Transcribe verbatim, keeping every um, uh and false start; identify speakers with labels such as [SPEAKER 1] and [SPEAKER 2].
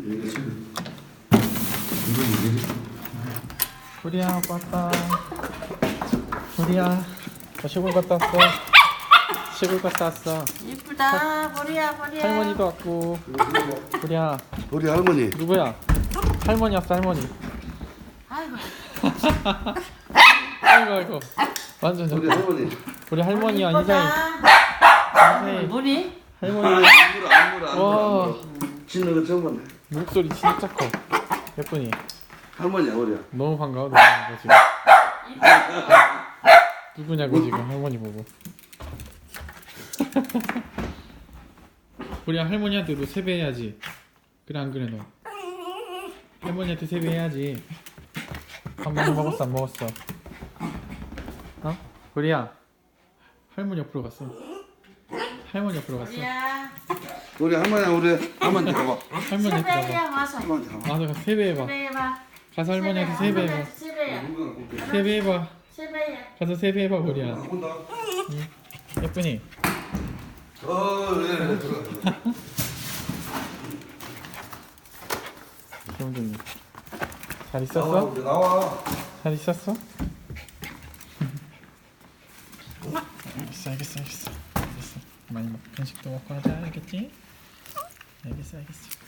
[SPEAKER 1] 이거 지금 이거 이게
[SPEAKER 2] 우리야 왔다. 우리야 저 시골 갔다 왔어. 시골 갔다 왔어.
[SPEAKER 3] 이쁘다. 보리야 보리야.
[SPEAKER 2] 할머니도 왔고. 우리야
[SPEAKER 1] 우리 할머니.
[SPEAKER 2] 누구야? 할머니 왔어 할머니.
[SPEAKER 3] 아이고.
[SPEAKER 2] 아이고 아이고. 완전
[SPEAKER 1] 우리
[SPEAKER 2] 좋다.
[SPEAKER 1] 할머니.
[SPEAKER 2] 우리 할머니야 인사해.
[SPEAKER 3] 이쁘다.
[SPEAKER 2] 인사해.
[SPEAKER 3] 뭐니?
[SPEAKER 2] 할머니
[SPEAKER 1] 안 물어 안 물어 안
[SPEAKER 2] 와.
[SPEAKER 1] 물어. 짖는 거 처음 봤네.
[SPEAKER 2] 목소리 진짜 커. 예쁘니?
[SPEAKER 1] 할머니야 우리야.
[SPEAKER 2] 너무 반가워 너무 지금. 누구냐고 지금 할머니 보고. 우리 할머니한테도 세배해야지. 그래 안 그래 너? 할머니한테 세배해야지. 한 번도 먹었어 안 먹었어? 어? 우리야 할머니 옆으로 갔어. 할머니 옆으로 갔어.
[SPEAKER 3] 보리야.
[SPEAKER 1] 우리 할머니야 우리 할머니 가봐.
[SPEAKER 2] 할머니 옆으로 가봐.
[SPEAKER 3] 세배야 와서.
[SPEAKER 1] 할머니 가봐.
[SPEAKER 2] 가서 가서 세배해봐.
[SPEAKER 3] 세배해봐.
[SPEAKER 2] 가서 할머니한테 세배해봐.
[SPEAKER 3] 세배야.
[SPEAKER 2] 세배해봐.
[SPEAKER 3] 세배야.
[SPEAKER 2] 가서 세배해봐 우리야.
[SPEAKER 1] 온다.
[SPEAKER 2] 예쁘니?
[SPEAKER 1] 어 그래.
[SPEAKER 2] 정준이 잘
[SPEAKER 1] 나와
[SPEAKER 2] 있었어?
[SPEAKER 1] 우리 나와.
[SPEAKER 2] 잘 있었어? 알겠어 알겠어 알겠어 알겠어 많이 먹 간식도 먹고 하자 알겠지? 알겠어 알겠어